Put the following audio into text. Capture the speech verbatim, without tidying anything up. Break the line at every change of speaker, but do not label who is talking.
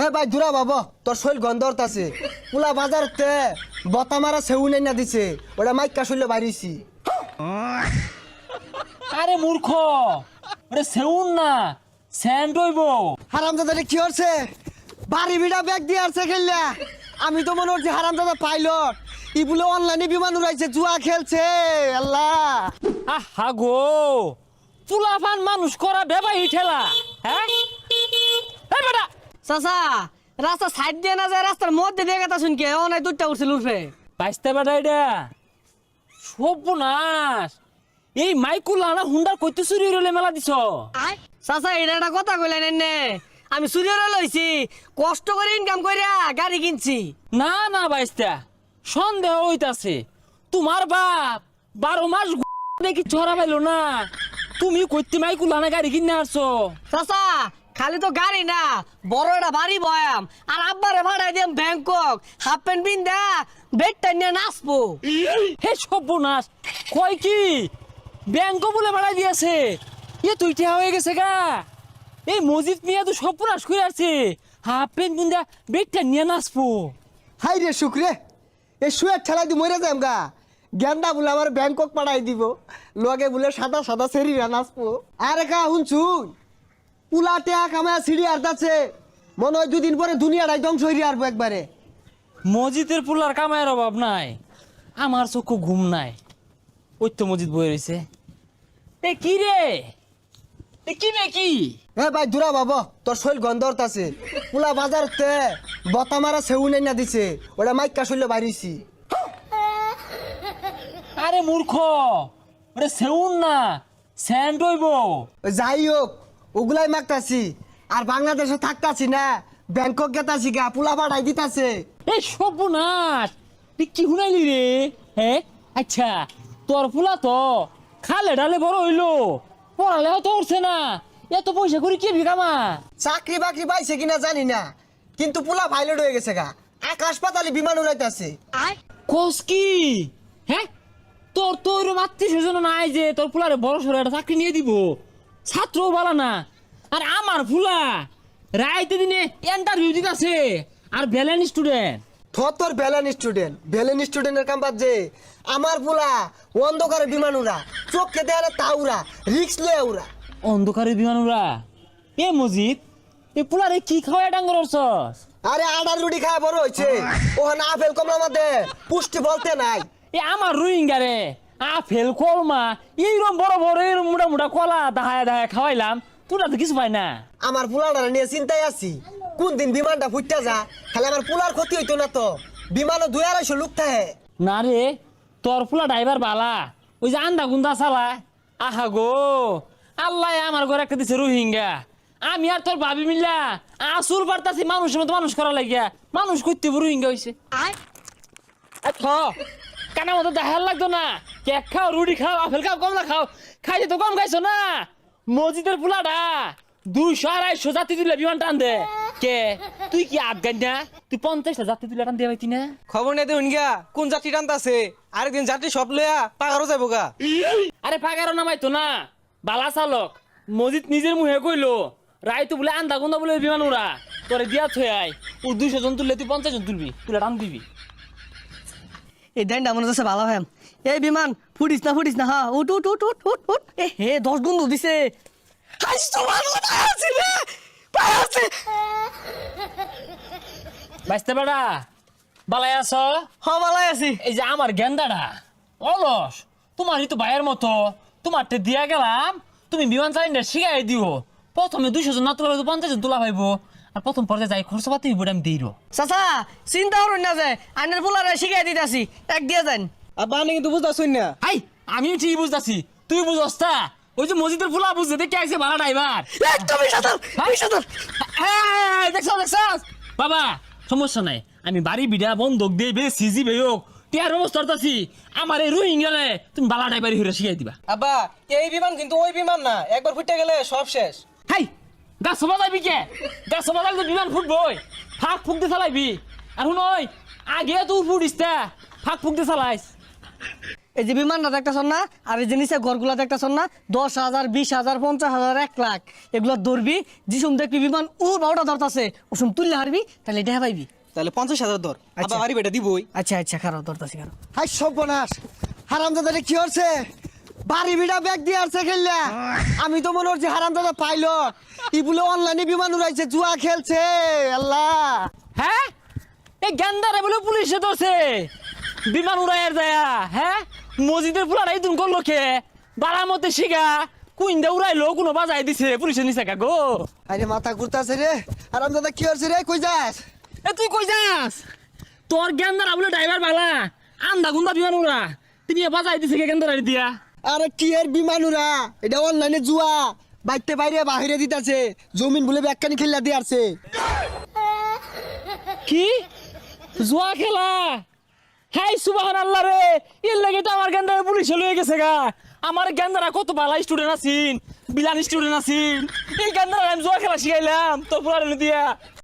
ভাই দূরা বাবা তোর শৈল গন্ধরত আছে পুলা বাজারতে বতা মারা সেউ নাই না দিছে ওটা মাইকা শৈল বাইরেছি।
আরে মূর্খ, ওরে সেউন না স্যান্ড হইব।
হারামজাদা কি হচ্ছে বাড়ি বিড়া ব্যাগ দিয়ে আসছে খেললা। আমি তো মনে হচ্ছে হারামজাদা পাইলট ই বলে অনলাইনে বিমান উড়াইছে জুয়া খেলছে। আল্লাহ
আহা গো, চুলাফান মানুষ করা বেবাই ঠেলা। হ্যাঁ এই বেটা
চাচা রাস্তা সাইড দিয়ে না যায় রাস্তার মধ্যে দিয়ে গেতা শুনকে অনেক দুধটা উঠছিল উঠবে
বাইসতে বেটা এটা সর্বনাশ। এই মাইকুল আনা হুন্ডার কইতে চুরি রইলে মেলা দিছ।
চাচা এটা একটা কথা কইলেন এনে আমি চুরিয়ে লইছি কষ্ট করে ইনকাম কইরা গাড়ি কিনছি।
না না বাইস্তা সন্দেহ হইতাছে তোমার বাপ বারো মাস দেখি ছড়া পাইলো না, তুমি কইতে মাইকুল আনা গাড়ি কিনে আসছো।
চাচা খালি তো গাড়ি না বড় একটা বাড়ি বয়াম আর আব্বারে ভাড়াই দিম ব্যাংকক হাফ প্যান্ট পিন্দা বেডটা নিয়ে নাচবো।
হে সর্বনাশ, কয় কি ব্যাংক বলে ভাড়া দিয়েছে? এ তুই ঠেয়া হয়ে গেছে গা। এই মসজিদ মিয়া তো সর্বনাশ করে আছে, হাফ প্যান্ট পিন্দা বেডটা নিয়ে নাচবো।
হাই রে শুক্রে এই শুয়ে ঠেলাই দি মরে যাম গা। গেন্দা বলে আমার ব্যাংকক পাঠাই দিব লগে বলে সাদা সাদা সেরিরা নাচবো। আরে কা শুনছুন পুলা টেয়া কামায় সিঁড়ি আর্দাছে মনে হয় দুদিন পরে দুনিয়াটাই ধ্বংস হইরে আসবো একবারে।
মসজিদের পুলার কামায়ের অভাব নাই, আমার চক্ষু ঘুম নাই। ওই তো মসজিদ বয়ে রয়েছে। এ কি রে, এ কি রে কি?
এ ভাই দূরা বাবা তোর শৈল গন্ধরত আছে পুলা বাজারতে বতা মারা সেউ নাই না দিছে ওটা মাইকা শৈল বাইরেছি।
আরে মূর্খ, ওরে সেউন না স্যান্ড হইব।
যাই হোক ওগুলাই মাগতাছি আর বাংলাদেশে থাকতাছি না ব্যাংকক গেতাছি গা পুলা পাঠাই দিতাছে।
এই সর্বনাশ, তুই কি শুনাইলি রে? হ্যাঁ আচ্ছা, তোর ফুলা তো খালে ডালে বড় হইলো, পড়ালেও তো উঠছে না, এত পয়সা করে কি বিকামা?
চাকরি বাকরি পাইছে কিনা জানি না কিন্তু পুলা পাইলট হয়ে গেছে গা, আকাশ পাতালে বিমান উড়াইতাছে।
কোস কি? হ্যাঁ তোর তো ওইরকম আত্মীয় স্বজন নাই যে তোর ফুলারে বড় সড়ো একটা চাকরি নিয়ে দিব, ছাত্রও বলা না। আর আমার ফুলা রাইতে দিনে ইন্টারভিউ দিতেছে আর ব্যালেন্স স্টুডেন্ট।
তোর ভ্যালেন স্টুডেন্ট ভ্যালেন স্টুডেন্টের কাম বাজে আমার পুলা অন্ধকারে বিমান উড়া চোখকে দেয়ালে তা উড়া রিক্স লয়ে উড়া।
অন্ধকারের বিমান উড়া? এ মজিদ এ পুলারে কি খাওয়াই ডাঙ্গর অর্চস?
আরে আডার রুটি খায় বড় হয়েছে ওখানে আপেল কমলা মধ্যে পুষ্টি বলতে নাই।
এ আমার রোহিঙ্গা রে আপেল কলমা এইরকম বড় বড় এরকম মোটা মোটা কলা দাহায় দাহায় খাওয়াইলাম, তোরা তো কিছু পাই না।
আমার পুলাটা নিয়ে চিন্তায় আছি কোন দিন বিমানটা ফুটতে যা খালি আমার পুলার ক্ষতি হইতো না তো। বিমানও দুই আড়াইশো লোক থাকে।
না রে তোর ফুলা ড্রাইভার বালা, ওই যে আন্দা গুন্দা চালায়। আহা গো আল্লাহ আমার ঘরে একটা দিছে রোহিঙ্গা, আমি আর তোর ভাবি মিল্লা আসুর পারতাছি মানুষের মতো মানুষ করা লাগিয়া মানুষ করতে রোহিঙ্গা হয়েছে। কানা মতো দেখার লাগতো না, কেক খাও রুটি খাও আপেল খাও কমলা খাও, খাইতে তো কম খাইছো না। মসজিদের পোলাটা দুইশো আড়াইশো জাতি তুলে বিমান টান দে। কে তুই কি আফগান না? তুই পঞ্চাশটা জাতি তুলে টান দিয়ে পাইতি না?
খবর নেই দেখুন গা কোন যাত্রী টানতাছে, আরেকদিন যাত্রী সব লইয়া পাগারও যাবো গা।
আরে পাগারও নামাইতো না, বালা চালক মসজিদ নিজের মুহে কইলো রায় তো বলে আন্দা গুন্দা বলে বিমান উড়া তোরে দিয়া থই আয়। ও দুইশো জন তুললে তুই পঞ্চাশ জন তুলবি, তুলে টান দিবি।
এই দেনটা মনে হচ্ছে ভালো হয়। এই বিমান ফুটিস না ফুটিস না হ্যাঁ উঠ উঠ উঠ উঠ উঠ উঠ এ হে দশ গুণ দিছে।
বাইসতে বেড়া বালাই আছ?
হ ভালো আছি।
এই যে আমার গেন্দাটা অলস, তোমারই তো ভাইয়ের মতো, তোমারটা দিয়া গেলাম তুমি বিমান চালিনা শিখাই দিও। প্রথমে দুইশো জন না তোলা হয়তো পঞ্চাশ জন তোলা পাইবো, আর প্রথম পর্যায়ে যাই খরচ পাতি হইব আমি দিই।
চাচা চিন্তা করুন না যে আইনের পোলারে শিখাই দিতেছি এক দিয়ে যান।
আব্বা আমি কিন্তু বুঝতেছুন না।
হাই আমিও ঠিক বুঝতেছি, তুই বুঝস তা? ওই যে মসজিদের ফুলা বুঝতে দেখে আইসে ভাড়া ড্রাইভার
একদমই সাঁতার সাঁতার
দেখছ দেখছ। বাবা সমস্যা নাই, আমি বাড়ি বিড়া বন্ধক দিয়ে বে সিজি বে হোক টিয়ার ব্যবস্থা করতেছি। আমার এই রোহিঙ্গালে তুমি বালা ড্রাইভারি হয়ে শিখাই দিবা।
আব্বা এই বিমান কিন্তু ওই বিমান না, একবার ফুটে গেলে সব শেষ।
হাই গাছ সবা যাবি কে? গাছ সবা যাবি বিমান ফুটবই, ফাঁক ফুক দিয়ে চালাইবি। আর শুন ওই আগে তুই ফুটিস তা ফাঁক ফুক দিয়ে চালাইস।
এই যে বিমানটা দেখতেছ না আর এই যে নিচে ঘরগুলা দেখতেছ না দশ হাজার বিশ হাজার পঞ্চাশ হাজার এক লাখ এগুলো ধরবি যিসুম দেখবি বিমান উ বারোটা ধরতাছে ওসম তুললে হারবি তাহলে এটা পাইবি।
তাহলে পঞ্চাশ হাজার ধর
আচ্ছা।
আবার বাড়ি বেটা দিবই।
আচ্ছা আচ্ছা খারাপ ধরতাছি খারাপ।
হাই সর্বনাশ হারামজাদারে কি হচ্ছে বাড়ি বিড়া ব্যাগ দিয়ে আসছে খেললা আমি তো মনে হচ্ছে হারামজাদা পাইলট ই বলে অনলাইনে বিমান উড়াইছে জুয়া খেলছে আল্লাহ।
হ্যাঁ এই গেন্দারে বলে পুলিশে ধরছে বিমান উড়াইয়ার যায়া। হ্যাঁ মসজিদের পুলারাই তুমি করলো কে বাড়ার মধ্যে শিখা কুইন্দা উড়াইলো কোনো বাজাই দিছে পুলিশের নিচে কা গো।
আরে মাথা ঘুরতাছে রে হারামজাদা কি হচ্ছে রে কই যাস?
এ তুই কই যাস? তোর গেন্দারা বলে ড্রাইভার বালা আন্দা গুন্দা বিমান উড়া তিনি বাজাই দিছে কে গেন্দারা দিয়া।
আরে কি এর বিমান উড়া এটা অনলাইনে জুয়া বাইতে বাইরে বাহিরে দিতাছে জমিন বলে ব্যাগখানি খেললা দিয়ে আসছে।
কি জুয়া খেলা? হাই সুবহানাল্লাহ রে এর লাগে তো আমার গেন্দারা পুলিশে লয়ে গেছে গা। আমার গেন্দারা কত ভালো স্টুডেন্ট আছিন বিলান স্টুডেন্ট আছিন এই গেন্দারা আমি জুয়া খেলা শিখাইলাম তোর পুলারে দিয়া।